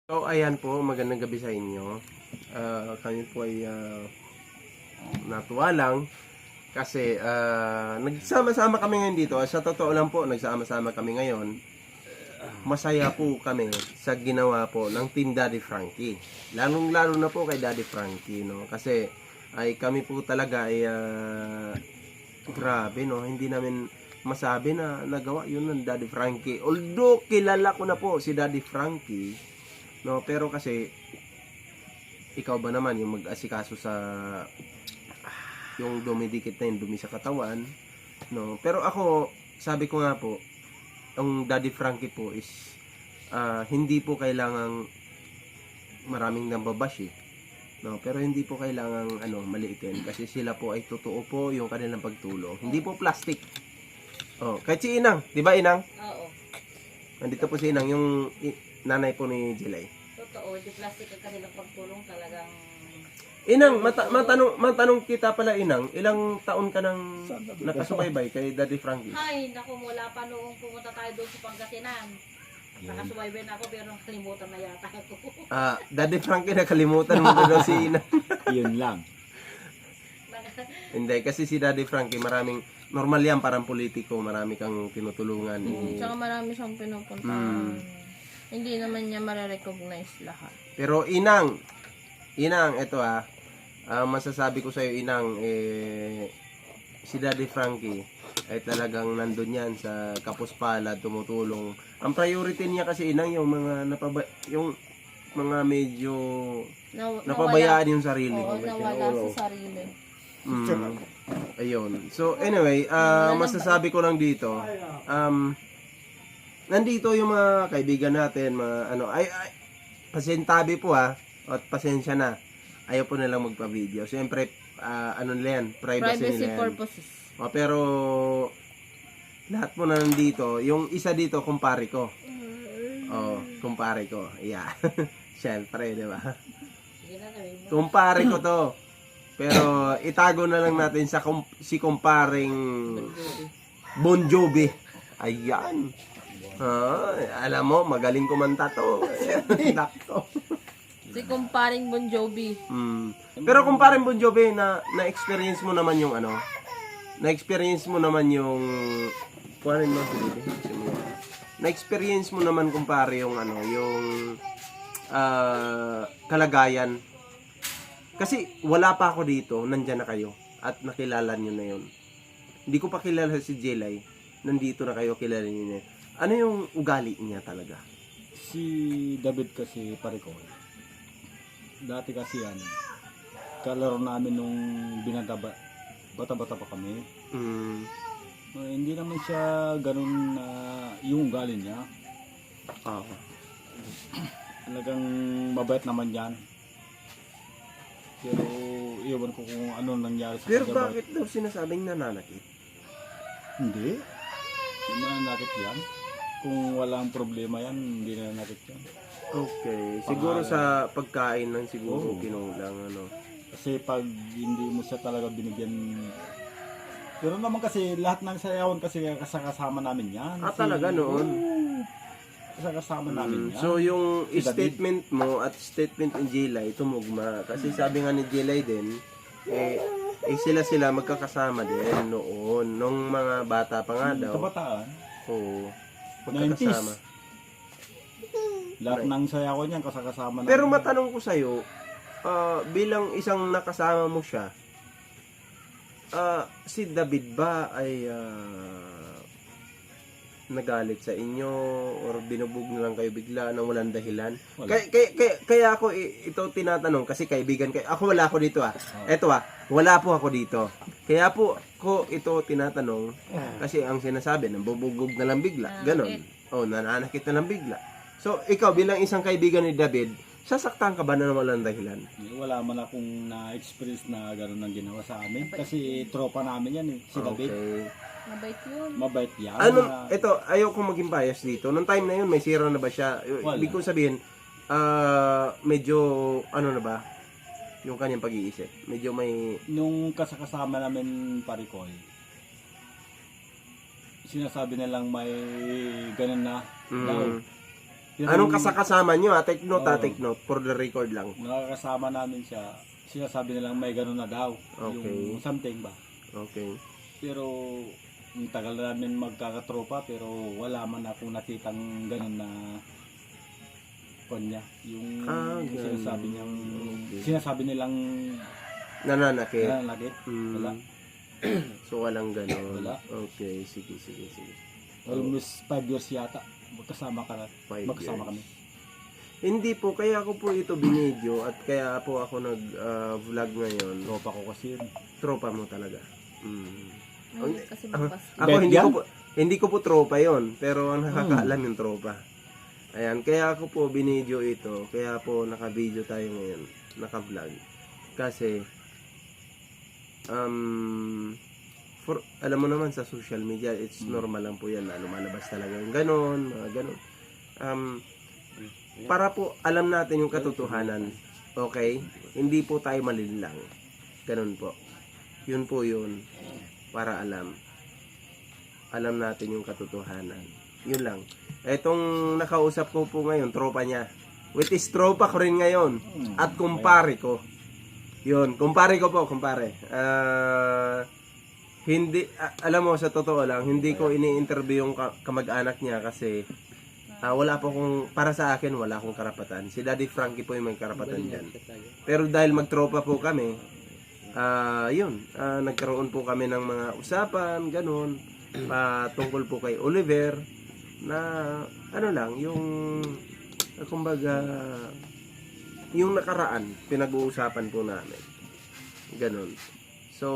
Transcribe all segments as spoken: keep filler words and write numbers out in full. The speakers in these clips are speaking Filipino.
So, ayan po, magandang gabi sa inyo. Ah, kami po ay ah, natuwa lang kasi ah, nagsama-sama kami ngayon dito. Sa totoo lang po, nagsama-sama kami ngayon. Masaya po kami sa ginawa po ng Team Daddy Frankie. Lalong-lalo na po kay Daddy Frankie, no? Kasi ay kami po talaga ay ah, grabe, no? Hindi namin masabi na nagawa yun ng Daddy Frankie. Although kilala ko na po si Daddy Frankie, no, pero kasi ikaw ba naman yung mag-asikaso sa yung dumidikit na yung dumi sa katawan, no? Pero ako, sabi ko nga po, ang Daddy Frankie po is ah, hindi po kailangang maraming nambabash eh, no? Pero hindi po kailangang ano, maliitin kasi sila po ay totoo po yung kanilang pagtulong. Hindi po plastic. Oh, kahit si Inang, 'di ba Inang? Oo. Nandito po si Inang, yung i- nanay po ni Jelay. Totoo, di plastic ang kanilang pagtulong talagang... Inang, mata matanong, matanong kita pala Inang, ilang taon ka nang nakasubaybay kay Daddy Frankie? Ay, naku, mula pa noong pumunta tayo doon sa Pangasinan. Nakasubaybay na ako pero nakalimutan na yata ako. Ah, Daddy Frankie, nakalimutan mo daw si Inang. Yun lang. Hindi, kasi si Daddy Frankie, maraming, normal yan, parang politiko, marami kang tinutulungan. Mm, eh. tsaka marami siyang pinupuntahan. Mm. Hindi naman niya marirecognize lahat. Pero Inang, Inang, eto ah, ah, masasabi ko sa'yo Inang, eh, si Daddy Frankie ay talagang nandun yan sa Kapuspalad, tumutulong. Ang priority niya kasi Inang, yung mga napaba, yung mga medyo Naw- napabayaan yung sarili. Oo, Kumbaga, nawala oo. sa sarili. Mm. Ayun. So anyway, ah, masasabi ko lang dito, um, nandito yung mga kaibigan natin, mga ano, ay, ay pasentabi po ha, at pasensya na. Ayaw po nilang magpa-video. Siyempre, ah, ano nila yan, privacy, Privacy nila yan. purposes. O, pero, lahat po na nandito, yung isa dito, kumpare ko. Oh, kumpare ko. Yeah. Siyempre, di ba? Sige na, sabihin mo. Kumpare ko to. Pero itago na lang natin sa kum- si kumparing Bon Jovi. Ayan. Ah, alam mo, magaling kumanta to. Nako. Si kumparing Bon Jovi. Mm. Pero kumparing Bon Jovi, na na-experience mo naman yung ano? Na-experience mo naman yung kuhanin mo, sige. Na-experience mo naman kumpare yung ano, yung ah, kalagayan. Kasi wala pa ako dito, nandyan na kayo at nakilala nyo na yun. Hindi ko pa kilala si Jelay, nandito na kayo, kilala nyo na yun. Ano yung ugali niya talaga? Si David kasi pare ko. Dati kasi yan, kalaro namin nung binata bata-bata pa kami. Mm, Uh, hindi naman siya ganun na yung ugali niya. ah, Talagang mabait naman yan. Pero iwan ko kung ano nangyari sa pero kanya. bakit daw sinasabing nananakit? Hindi. Hindi nananakit yan. Kung walang problema yan, hindi nananakit yan. Okay, siguro sa pagkain lang siguro Oo. kinulang ano. Kasi pag hindi mo siya talaga binigyan. Pero naman kasi lahat ng sayawan kasi kasama namin yan. Ah, Si- talaga noon? Oo. Kasama namin Mm, yan. so yung Si David. statement mo at statement ni Jelay tumugma kasi sabi nga ni Jelay din eh, eh sila sila magkakasama din noon nung mga bata pa nga daw. Kabataan. Oo. nineties. Magkakasama. Lahat ng sayawan niyan kasama namin. Pero matanong ko sa'yo, ah, bilang isang nakasama mo siya, ah, si David ba ay ah, nagalit sa inyo or binubog na lang kayo bigla nang walang dahilan? Wala. Kaya, kaya, kaya, kaya ako i- ito tinatanong kasi kaibigan kayo. Ako wala ako dito ah. Eto ah, wala po ako dito. Kaya po ko ito tinatanong kasi ang sinasabi, nambubugog na lang bigla. Ganon. Oh, nananakit na lang bigla. So, ikaw bilang isang kaibigan ni David, sasaktan ka ba na walang dahilan? Eh, Wala man akong na-experience na gano'n ang ginawa sa amin. Kasi tropa namin yan eh. Si David. Okay. Mabait yun. Mabait yan. Ano, Na- ito, ayaw kong maging bias dito. Nung time na yun, may sira na ba siya? Wala. Ibig kong sabihin, ah, medyo, ano na ba, yung kanyang pag-iisip. Medyo may, Nung kasakasama namin parikoy, sinasabi nilang may ganun na daw. mm, Pero Anong kasakasama nyo? Ah, take note, ah, Oo. take note. For the record lang. nakakasama namin siya, sinasabi nilang may ganun na daw. Okay. Yung something ba? Okay. Pero ang tagal na namin magkakatropa pero wala man akong nakitang ganun na kanya. Yung Ah, ganun. sinasabi niyang Okay. sinasabi nilang Nananakit. nananakit. Hmm. Wala. So, walang ganon. Wala. Okay, sige, sige, sige. Almost five years yata. Magkasama ka Five magkasama years. kami. Hindi po, kaya ako po ito binidyo at kaya po ako nag-vlog ngayon. Tropa ko kasi yun. Tropa mo talaga. Mm. Ay, kasi bukas. Ako Bet hindi yan? ko po, hindi ko po tropa yon, pero ang nakakaalam yung tropa. Ayan, kaya ako po binidyo ito, kaya po naka-video tayo ngayon, naka-vlog. Kasi um for alam mo naman sa social media, it's normal lang po yan na lumalabas talaga yung ganon, mga ganon. Um para po alam natin yung katotohanan. Okay? Hindi po tayo malinlang. Ganon po. Yun po yun. Para alam. Alam natin yung katotohanan. Yun lang. Etong nakausap ko po ngayon, tropa niya. Which is tropa ko rin ngayon. At kumpare ko. Yun. Kumpare ko po, kumpare. Ah... hindi, ah, alam mo, sa totoo lang, hindi ko ini-interview yung ka- kamag-anak niya kasi ah, wala po kung, para sa akin, wala akong karapatan. Si Daddy Frankie po yung may karapatan dyan. Pero dahil magtropa po kami, ah, yun, ah, nagkaroon po kami ng mga usapan, ganun, ah, tungkol po kay Oliver, na, ano lang, yung, ah, kumbaga, yung nakaraan, pinag-uusapan po namin. Ganun. So,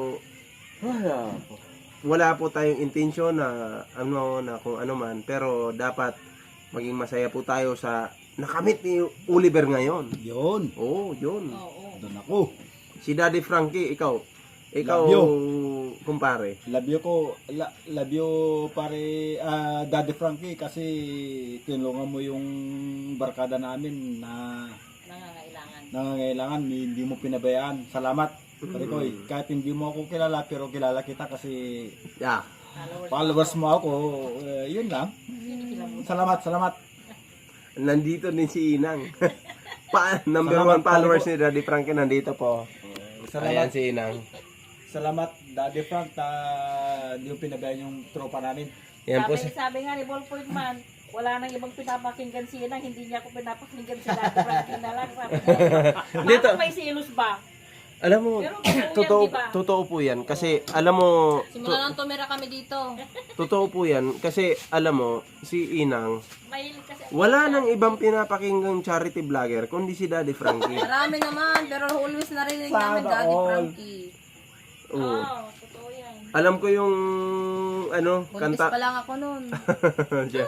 wala po tayong intensyon na ano na kung ano man, pero dapat maging masaya po tayo sa nakamit ni Oliver ngayon. Yun. Oh, yun. Oo. Doon ako. Si Daddy Frankie, ikaw. Ikaw, Love kumpare. Love you ko, la, love you pare ah, Daddy Frankie kasi tinulungan mo yung barkada namin na Nangangailangan. nangangailangan, hindi mo pinabayaan. Salamat. Pare ko, eh, kahit hindi mo ako kilala pero kilala kita kasi Yeah. Followers. followers mo ako, eh, yun lang. Salamat, salamat. Nandito din si Inang. pa, number Salamat, one followers pare ni Daddy Frankie nandito po. Salamat. Ayan si Inang. Salamat Daddy Frank na hindi mo pinabayaan yung tropa namin. Yan po Sabi, si... sabi nga ni Ballpoint Man, wala nang ibang pinapakinggan si Inang, hindi niya ako pinapakinggan si Daddy Frankie na lang. Sabi niya, Dito. bakit may silos ba? Alam mo, Pero totoo totoo, yan, di ba? totoo po yan. Kasi, alam mo, Simula nang tumira kami dito. totoo po yan. Kasi, alam mo, si Inang, Mahilig kasi. wala nang ibang pinapakinggang charity vlogger, kundi si Daddy Frankie. Marami naman, pero always narinig namin Sana Daddy all. Frankie. Oo, Oo. totoo yan. Alam ko yung, ano, Buntis kanta. pa lang ako noon. Siya.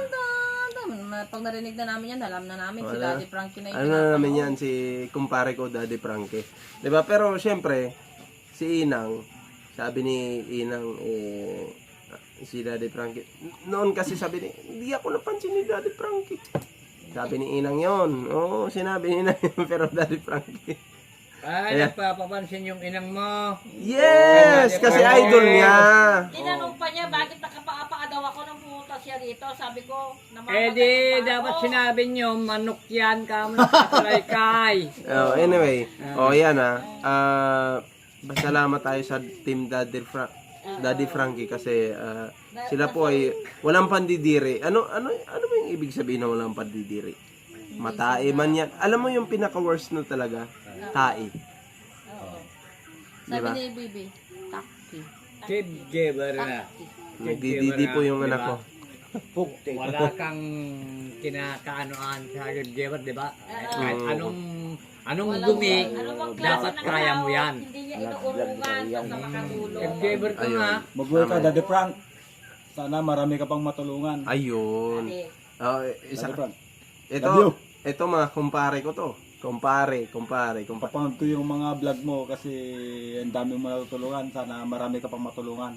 Pag narinig na namin yan, alam na namin si Wala. Daddy Frankie na yung Ano na namin pinapanood. yan, si kumpare ko, Daddy Frankie. Diba? Pero, syempre, si Inang, sabi ni Inang, eh, si Daddy Frankie, noon kasi sabi ni, hindi ako napansin ni Daddy Frankie. Sabi ni Inang yon. Oo, sinabi ni Inang yun, pero Daddy Frankie. Ay, Ayan. nagpapapansin yung inang mo. Yes! Kasi idol niya. Tinanong pa niya, bakit nakapaapa daw ako nang pumunta siya rito? Sabi ko, Eh namamagat di, pa dapat ako. sinabi nyo, manok yan ka mo nakakalaykay. Oh, anyway, oh yan ah. Ah, salamat tayo sa team Daddy Fra Daddy Frankie kasi ah, sila po ay walang pandidiri. Ano ano ano ba yung ibig sabihin ng walang pandidiri? Matae man yan. Alam mo yung pinaka-worst na talaga? Tae. Oo. Sabi Diba? ni Bibi, Taki. Kid giver na. Taki. Nagdididi po yung anak ko. Wala kang kinakaanoan sa kid giver, di ba? Kahit Oo. anong anong Walang- dumi, Ano bang klase dapat ng kaya mo tao? yan. Hindi niya inuurungan basta makatulong. Kid giver ko Ayun. nga. Mabuhay ka Daddy Frank. Sana marami ka pang matulungan. Ayun. Ate, Oh, isa Daddy Frank. ito, Love you. ito mga kumpare ko to. Kumpare, kumpare, kumpare. Papanood ko yung mga vlog mo kasi ang dami mo natutulungan. Sana marami ka pang matulungan.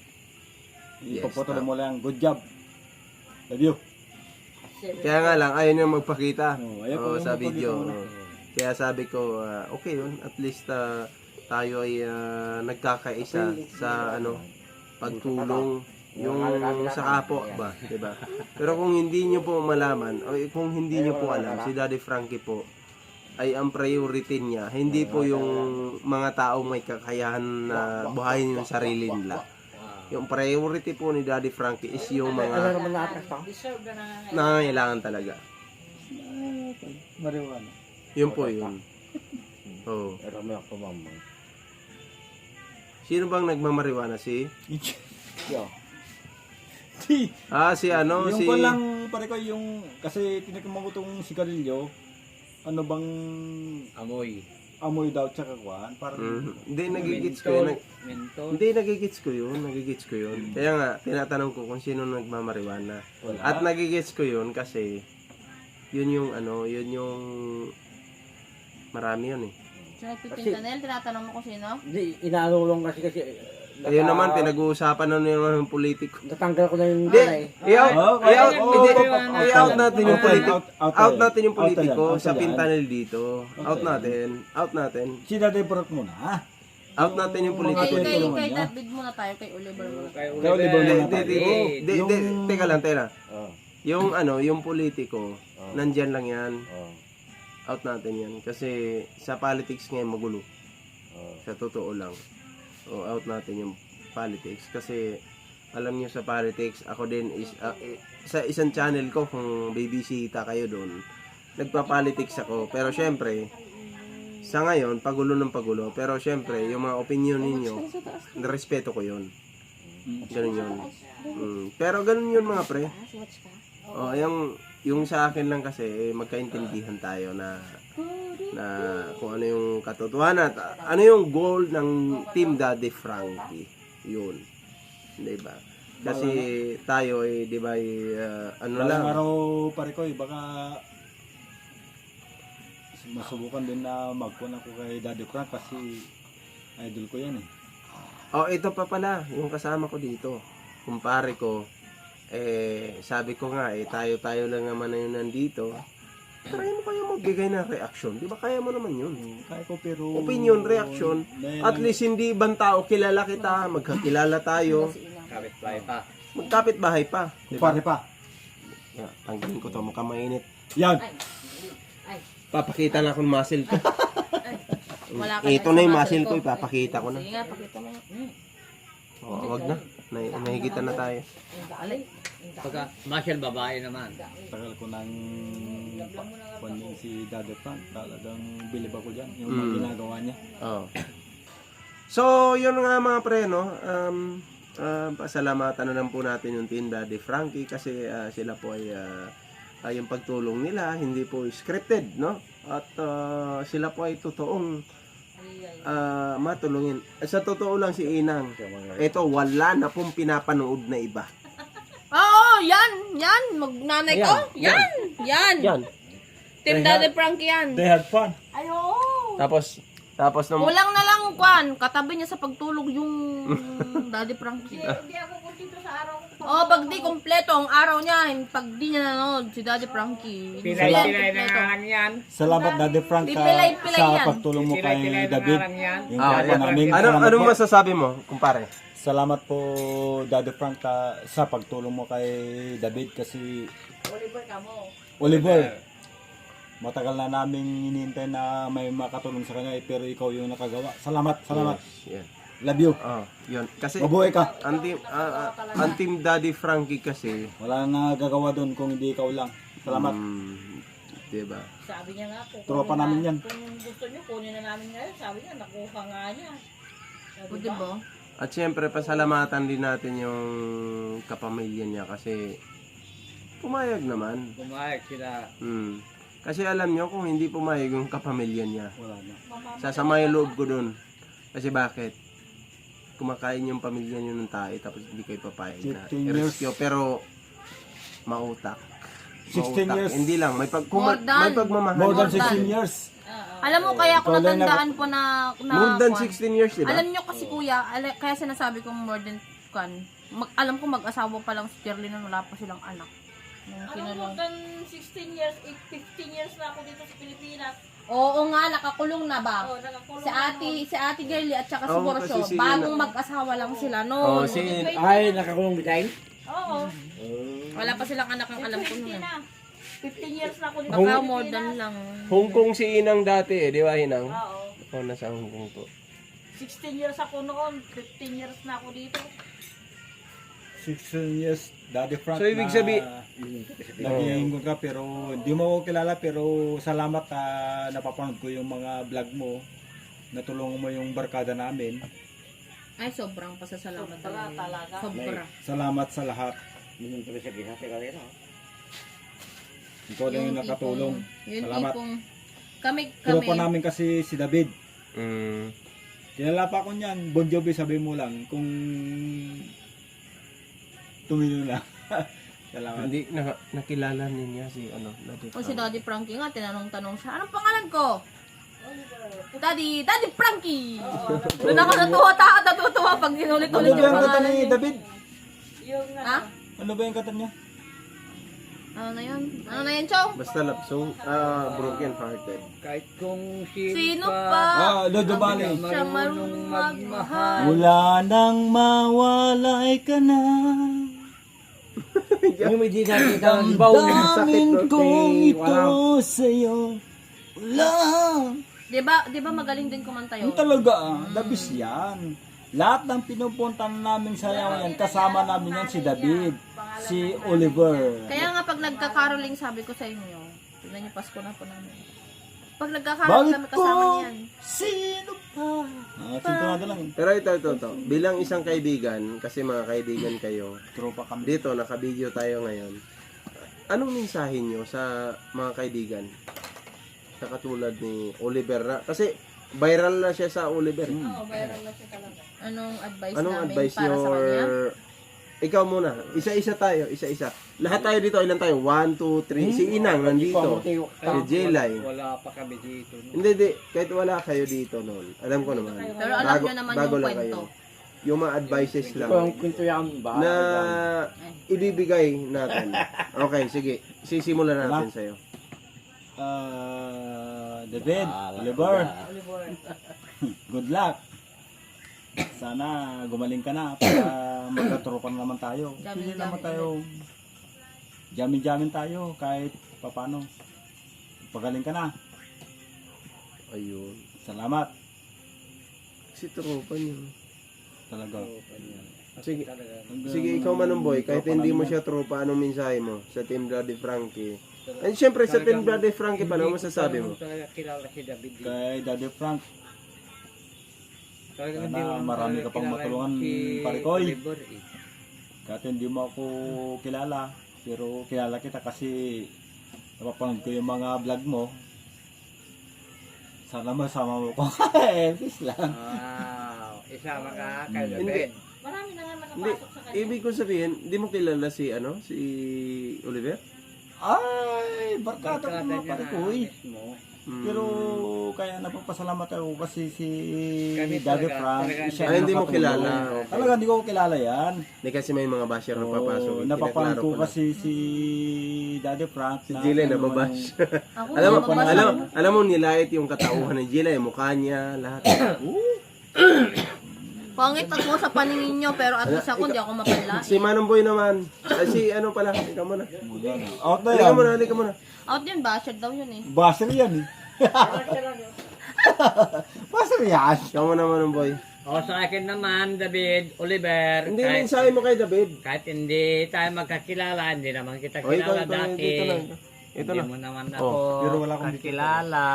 Yes, Ipapatuloy mo lang. Good job. Love you. Kaya nga lang, ayaw niya magpakita Oh, ayaw Oo, ko sa magpakita video. muna. Oo. Kaya sabi ko, ah, okay yun. At least ah, tayo ay ah, nagkakaisa sa ano pagtulong yung sa kapo ba, 'di ba? Pero kung hindi niyo po malaman o kung hindi niyo po alam, si Daddy Frankie po ay ang priority niya, hindi po yung mga taong may kakayahan na buhayin yung sarili nila. Yung priority po ni Daddy Frankie is yung mga Deserve na nangangailangan. nangangailangan talaga. Marijuana. Yun po yun. Oh. Sino bang nagmamariwana? Si? Di. Ah, si ano? Yung si... ko lang pare ko yung kasi tinikiman ko tong sigarilyo. Ano bang Amoy. amoy daw tsaka kuan? Parang Mhm. Hindi, nagigits ko yun. Nag- Mentol. Hindi, nagigits ko yun. Nagigits ko yun. Kaya nga, tinatanong ko kung sino nagmamariwana. wala. At nagigits ko yun kasi yun yung ano, yun yung marami yun eh. So, nagpipinta na yan, tinatanong mo kung sino? Hindi, inaalulong kasi kasi. Ayun naman, pinag-uusapan na naman ng politiko. Natanggal ko na yung Hindi, nanay. i-out, Oh, i-out, oh, hindi, oh, oh, i-out oh, natin yung out, politiko. out, out, Out natin yung out yan, politiko out sa yan. pintanil dito. Out yan. natin, out natin. Si Daddy Brok muna. ah. Out natin yung Mga Kay, politiko. tulungan kay, niya. kay David muna tayo, kay Oliver muna. Kay Kay Oliver Hindi, muna hindi, tayo. hindi, hindi, Yung- hindi, teka lang, teka lang. Oh, Yung ano, yung politiko, oh, nandyan lang yan. oh, Out natin yan. Kasi sa politics ngayon magulo. oh. Sa totoo lang. O out natin yung politics. Kasi alam niyo sa politics, ako din is ah, eh, sa isang channel ko kung bibisita kayo doon, nagpa-politics ako. Pero syempre, sa ngayon, pagulo ng pagulo. Pero syempre, yung mga opinion ninyo, respeto ko yun. Ganun yun. Mm. Pero ganun yun mga pre. O, yung, yung sa akin lang kasi, eh, magkaintindihan tayo na na kung ano yung katotohanan at ano yung goal ng Team Daddy Frankie. Yun. 'Di ba? Kasi tayo eh 'di ba eh, ah, ano lang. Walang araw pare ko eh, baka masubukan din na magkuhan ako kay Daddy Frank kasi idol ko yan eh. Oh, ito pa pala yung kasama ko dito. Kumpare ko eh sabi ko nga eh tayo-tayo lang naman na yun nandito. Try mo kaya magbigay ng reaction. 'Di ba kaya mo naman yun? Kaya ko pero Opinion, reaction. At least hindi ibang tao kilala kita, magkakilala tayo, Kapit bahay pa. magkapit bahay pa. 'Di ba? pare pa. Yeah, tanggalin ko to, mukhang mainit. Yan. Papakita na akong muscle ko. Wala ka Ito sa na yung muscle muscle ko, ipapakita ko na. Sige nga, pakita mo. Oh, wag na. Nay nahigitan na tayo. Alay. Pagka Marshall babae naman. Tagal ko nang kuhan yun si Daddy Frank. Talagang bilib ako dyan. Yung Mm. mga ginagawa niya. Oh. So, yun nga mga pre, no? Um, uh, pasalamatan na lang po natin yung Team Daddy Frankie kasi ah, sila po ay ah, ah, yung pagtulong nila, hindi po scripted, no? At ah, sila po ay totoong ah, matulungin. Eh, sa totoo lang si Inang, ito wala na pong pinapanood na iba. Oo, yan, yan. Magnanay ko. Yan, yan. Yan. Team Daddy Frankie yan. They had fun. Ayo. Tapos, tapos nung... Kulang na lang, Kwan. Katabi niya sa pagtulog yung Daddy Frankie. Hindi, hindi ako kuntento sa araw ko. Oh, pag di kompleto ang araw niya, pag di niya nanonood si Daddy Frankie. hindi yan Pilay-pilay na kompleto. nga lang yan. Salamat Daddy Frank ka Pilay-pilay sa yan. pagtulong mo kay Pilay-pilay na David. nga lang yan. Yung Ah, kapwa yan. namin. Ano, Salamat anong po. masasabi mo, kumpare? Salamat po Daddy Frank ka sa pagtulong mo kay David kasi Oliver ka mo. Oliver, matagal na namin hinihintay na may makatulong sa kanya eh, pero ikaw yung nakagawa. Salamat, salamat. Yes. Love you. Oh, yun. Kasi, Mabuhay ka. ang team, ah, ah, ang team Daddy Frankie kasi, Wala na gagawa doon kung hindi ikaw lang. Salamat. mm, diba? Sabi niya nga po. Tropa kunin namin na- yan. Kung gusto niyo, kunin na namin ngayon. Sabi niya, nakuha nga niya. Sabi O, ba? diba? At syempre, pasalamatan din natin yung kapamilya niya kasi pumayag naman. Pumayag sila. Hmm. Kasi alam nyo, kung hindi pumayag yung kapamilya niya, Wala na. sasama yung loob ko dun. Kasi bakit? Kumakain yung pamilya niyo ng tayo tapos hindi kayo papayag na fifteen years. i-rescue. Pero, mautak. sixteen Mautak. years. Hindi lang, may, pag, kung More ma- than- may pagmamahal. More than More sixteen than. years. Alam mo, kaya ako Ikaw lang natandaan po na... na More than Kwan. sixteen years, di ba? Alam nyo kasi kuya, ala- kaya sinasabi kong more than Kwan. Mag, alam ko mag-asawa pa lang si Shirley nung wala pa silang anak. Nung Ano mo, kinulong. than sixteen years, eh, fifteen years na ako dito sa Pilipinas. Oo nga, nakakulong na ba? Oh, nakakulong Si ate, si ate Girlie at saka si Oo, Borsyo, kasi si- bagong mag-asawa lang sila Oh, noon. si Ay, nakakulong design? Oo. Wala pa silang anak ang alam ko fifteen noon. na. fifteen years na ako dito. Baka sa more Pilipinas. than lang. Hong Kong si Inang dati eh, di ba Inang? Oo. Ako nasa Hong Kong po. sixteen years ako noon. fifteen years na ako dito. sixteen years, Daddy Frank. So, ibig na sabi- naging ka pero hindi mo ako kilala pero salamat na napapanood ko yung mga vlog mo. Natulungan mo yung barkada namin. Ay, sobrang pasasalamat Sobra talaga. talaga. Sobra. Salamat sa lahat. Minum tuloy sa gina, teka rin ako. Ikaw lang yung nakatulong. tipong- Yung Salamat. tipong, kami, Pero kami, pa namin kasi si David. Mm. Kilala pa ko niyan. Bon Jovi, sabi mo lang kung tumino na. Salamat. Hindi na, nakilala niya si ano, Daddy o si Frank. Daddy Frankie nga, tinanong-tanong siya, anong pangalan ko? Daddy, Daddy Frankie! Doon ako natuwa, ta, natutuwa pag Ano ginulit-ulit ba yung yung kata pangalan ni niya. David? Yung Ha? Ano ba yung kata niya? Ano na yun? Ano na yun, Chow? Basta lapsong, ah, broken hearted. Kahit kung sino, Sino pa, pa? Ah, Lodo Bali. Siya marunong magmahal. Wala nang mawalay ka na. Yung may di nakita ng baw na sakit Damin doon kong kay ito walang. sa'yo. Wala. Di ba, di ba magaling din kumanta yun? Yung talaga ah, dabis yan. Lahat ng pinupunta namin sa yan, kasama namin yan si David, si Oliver. Kaya nga pag nagka-caroling, sabi ko sa inyo, tignan niyo, Pasko na po namin. Pag nagka-caroling Bakit kami kasama ko? niyan. Sino pa? Ah, sintonado lang. Pero ito, ito, ito. Bilang isang kaibigan, kasi mga kaibigan kayo, Tropa kami. dito, naka-video tayo ngayon. Anong mensahe nyo sa mga kaibigan? Sa katulad ni Oliver na, kasi viral na siya sa Oliver. Hmm. Oo, viral na siya talaga. Anong advice Anong namin advice para sa kanya? your... Ikaw muna. Isa-isa tayo. Isa-isa. Lahat tayo dito. Ilan tayo? One, two, three. Si Inang nandito. Si Jelay. wala pa kami dito. No? Hindi, di. Kahit wala kayo dito noon. Alam ko naman. Pero alam nyo naman yung lang kwento. Yung mga advices lang. Ito ang kwento yan ba? Na ibibigay natin. Okay, sige. Sisimulan natin sa'yo. Ah, David, Ah, Oliver, Oliver. good luck. Sana gumaling ka na para magkatropan naman tayo. Pili Jamin-jamin naman tayo. Jamin-jamin tayo kahit papano. Pagaling ka na. Ayun. Salamat. Si tropa niyo. Talaga. Sige. Sige, ikaw Manong Boy. Kahit hindi mo siya tropa, anong mensahe mo sa Team Daddy Frankie? And syempre sa Team Daddy Frankie pa, ano masasabi mo? Talaga kilala si David. eh. Kay Daddy Frank, Talaga Sana hindi mo marami talaga ka pang kilala matulungan, si pare Koy. Oliver, eh. kahit hindi mo ako kilala, pero kilala kita kasi napapanood ko yung mga vlog mo. Sana masama mo ko. Peace lang. Wow, isama ka kay Hmm. David. Marami na nga Hindi. nakapasok sa kanya. Ibig ko sabihin, hindi mo kilala si ano, si Oliver? Ay, barkada ko Barkada mga niya pare na ko eh. mismo. Hmm. Pero kaya napapasalamat ako kasi si Kami Daddy talaga, Frank, talaga siya Ay, ang hindi mo nakatulong. kilala. Okay. Talaga hindi ko kilala yan. Hindi kasi may mga basher na papasok. Oo, eh. napapanood Pinaklaro ko ko lang. kasi si Daddy Frank. Si na Jilay ano nababash. Ako, alam mo, mababasa alam, ko. alam mo nilait yung katauhan ni Jilay, mukha niya, lahat. Pangit ako sa paningin nyo, pero at least ako hindi ako mapanlain. Si Manong Boy naman. Ay, si ano pala, ikaw muna. Out na Halika yan. muna, halika muna. Out yun, basher daw yun eh. Basher yan eh. Basher yan. Ikaw muna, Manong Boy. O sa akin naman, David, Oliver, Hindi, kahit, mensahe mo kay David. kahit hindi tayo magkakilala, hindi naman kita O, ikaw, kilala ito, dati. dito na. Ito Hindi na. mo naman Oh, ako pero wala akong dito. kakilala.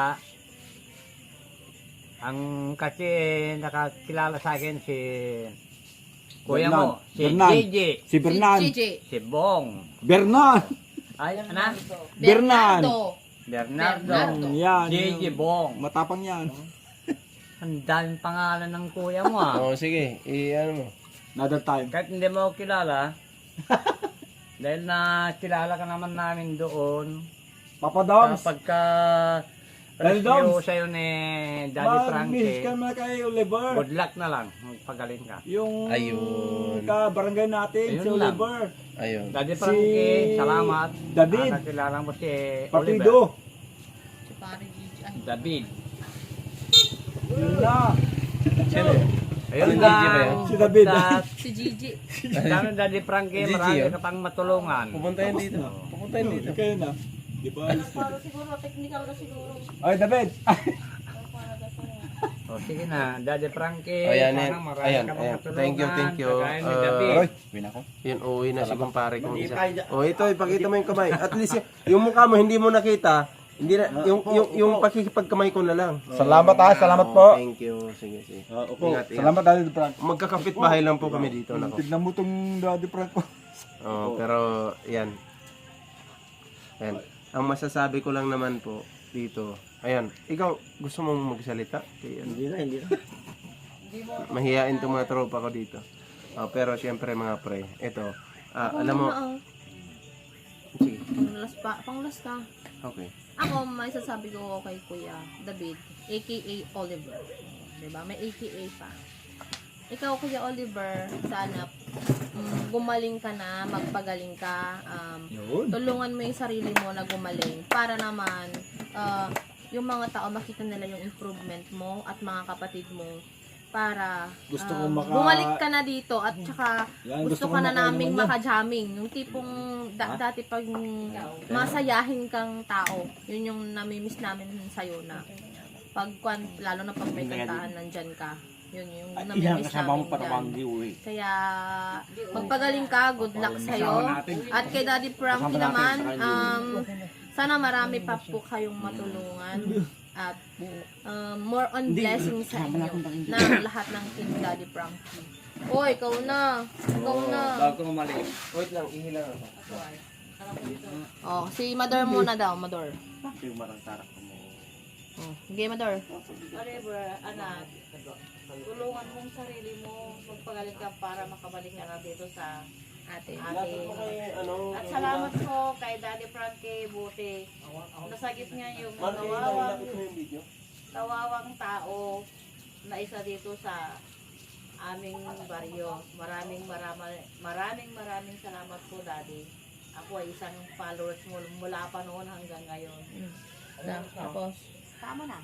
Ang kasi nakakilala sa akin si kuya mo, si Bernan. J J, Si Bernan. Si G J. si Bong. Bernan. Ay, ano? Bernan. Bernardo. Bernardo. Bernardo. Yan. J J Bong. Matapang yan. Ang daming pangalan ng kuya mo ah. Oh, sige. I, ano mo. Another time. Kahit hindi mo ako kilala, dahil na kilala ka naman namin doon, Papa Doms. kapag ka Daddy rescue Doms. sa'yo ni Daddy Mag-miss Frankie, ka na kay Oliver. good luck na lang, magpagaling ka. Yung Ayun. ka-barangay natin, Ayun si lang. Oliver. Ayun. Daddy Si Frankie, salamat. David. Ah, nakilala mo si Oliver. Partido. Si pare G J. Ay, David. Sino? Ayun, Yun Gigi ba yan? lang. Si David. At Si Gigi. Dami Daddy Frankie, Gigi, marami oh. ka pang matulungan. Pupunta yan dito. Pupunta yan dito. Kayo na. Di ba alis na? Para siguro, technical ka siguro. Ay, David! O sige na, Daddy Frankie. Oh, ayan, sana ayan. marami Ayan, ka pang ayan. matulungan. Thank you, thank you. Kagaya ni Uh, David. Aroy, win ako. Yun, uuwi na si kumpare kong isa. O ito, ipakita mo yung kamay. At least y- yung mukha mo hindi mo nakita. Hindi na, yung, yung, yung pakikipagkamay ko na lang. Salamat ah, salamat Oh, po. Thank you. Sige, sige. Ah, opo. Ingat, ingat. Salamat Daddy Frank. Magkakapit bahay lang po kami dito. Nako. Tignan mo tong Daddy Frank ko. Oh, pero yan. Ayan. Ang masasabi ko lang naman po dito. Ayan, ikaw gusto mong magsalita? Kaya, ano, Hindi na, hindi na. mahihain itong mga tropa ko dito. Oh, pero siyempre mga pre, ito. Ah, alam mo, Oo. sige. Panglas pa. Panglas ka. Okay. Ako, may sasabi ko kay Kuya David, a k a. Oliver. Diba? May a k a pa. Ikaw, Kuya Oliver, sana mm, gumaling ka na, magpagaling ka, um, tulungan mo yung sarili mo na gumaling para naman ah, yung mga tao makita nila yung improvement mo at mga kapatid mo para Gusto um, ko maka- bumalik ka na dito at saka Yan, gusto, gusto ko ka na makainom naming yan. makajamming. Yung tipong da- dati pag masayahin kang tao, yun yung namimiss namin sa'yo na pag kwan- lalo na pag may kantahan nandyan ka. Yun yung Ilang namimiss kasama mo namin para dyan. bang giuwi. Kaya magpagaling ka, good luck sa'yo. At kay Daddy Frankie naman, um, sana marami pa po kayong matulungan. At um, more on blessing sa inyo ng lahat ng Team Daddy Frankie. O, ikaw na. Ikaw na. Bago umalis. Wait lang, ihilang ako. Oh, si Mador muna daw, Mador. Yung marang tarak mo. Oh, sige, Mador. Whatever, anak. Tulungan mong sarili mo. Magpagaling ka para makabalik ka na dito sa Ate. ating. Ano, At salamat po kay Daddy Frankie Buti. Nasagip niya yung kawawang, kawawang tao na isa dito sa aming baryo. Maraming maraming maraming maraming salamat po, Daddy. Ako ay isang followers mo mula pa noon hanggang ngayon. Na, tapos. Tama na.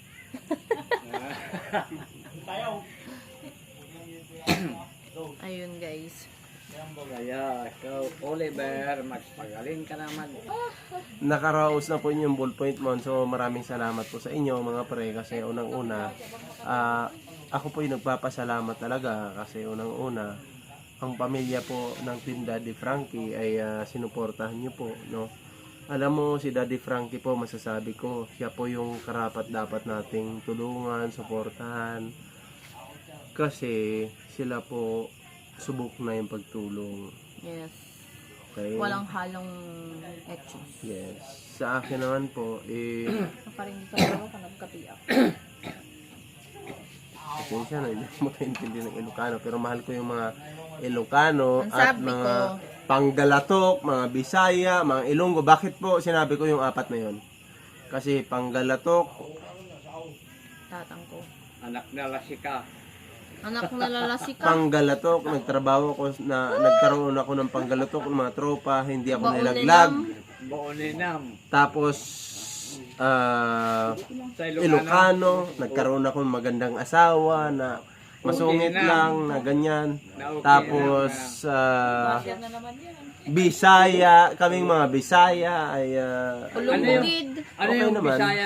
Ayun, guys. Kaya, ikaw, Oliver, magpagaling ka naman. Nakaraos na po yung ballpoint mo. So maraming salamat po sa inyo mga pre kasi unang-una ah, ako po yung nagpapasalamat talaga kasi unang-una ang pamilya po ng Team Daddy Frankie ay ah, sinuportahan niyo po, no. Alam mo si Daddy Frankie po, masasabi ko siya po yung karapat dapat nating tulungan, suportahan kasi sila po subok na yung pagtulong. Yes. Okay? Walang halong etchos. Yes. Sa akin naman po, eh, Nakaringin ka ako kung nagkapiyak. pasensya na, hindi mo makaintindi ng Ilocano. Pero mahal ko yung mga Ilocano Ang at sabi mga ko- Panggalatok, mga Bisaya, mga Ilonggo. Bakit po sinabi ko yung apat na yon? Kasi Panggalatok, Tatang ko. Anak na lasika. Anak na lalasi ka. Panggalatok, nagtrabaho ko na nagkaroon ako ng Panggalatok ng mga tropa, hindi ako Baunin nilaglag. lang. Booninam. Tapos ah Sa Ilocano. Ilocano, nagkaroon ako ng magandang asawa na masungit Okay na. lang na ganyan. Na okay Tapos ah, Yan na naman yan. Bisaya, kaming mga Bisaya ay ah, Ulungbugid. Ano Okay yung naman. Bisaya?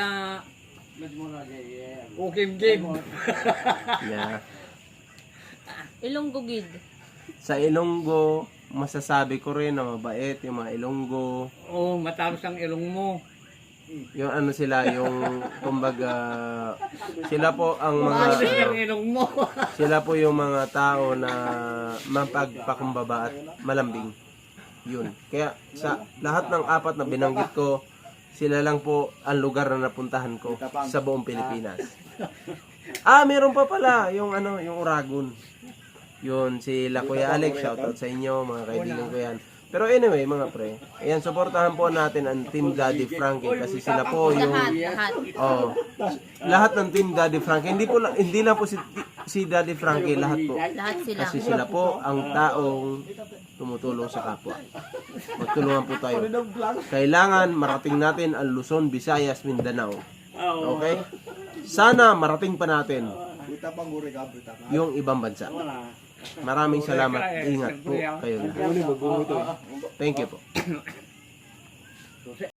Ukim-kim. yeah. Ilonggugid. Sa Ilonggo, masasabi ko rin na mabait yung mga Ilonggo. Oo, matapos ang ilong mo. Yung ano sila, yung kumbaga sila po ang mga Matapos ang ilong mo. sila po yung mga tao na mapagpakumbaba at malambing. Yun. Kaya sa lahat ng apat na binanggit ko, sila lang po ang lugar na napuntahan ko sa buong Pilipinas. Ah, meron pa pala yung ano, yung Uragon. Yun, si La Kuya Alex, shoutout sa inyo, mga kaibigan ko yan. Pero anyway, mga pre, ayan, supportahan po natin ang Team Daddy Frankie kasi sila po yung Lahat, lahat. oh, lahat ng Team Daddy Frankie. Hindi po lang- hindi lang po si si Daddy Frankie, lahat po. Lahat sila. Kasi sila po ang taong tumutulong sa kapwa. Magtulungan po tayo. Kailangan marating natin ang Luzon, Visayas, Mindanao Okay? Sana marating pa natin Buta pang guri ka, buta ka. yung ibang bansa. Maraming salamat. Ingat po kayo. Thank you po.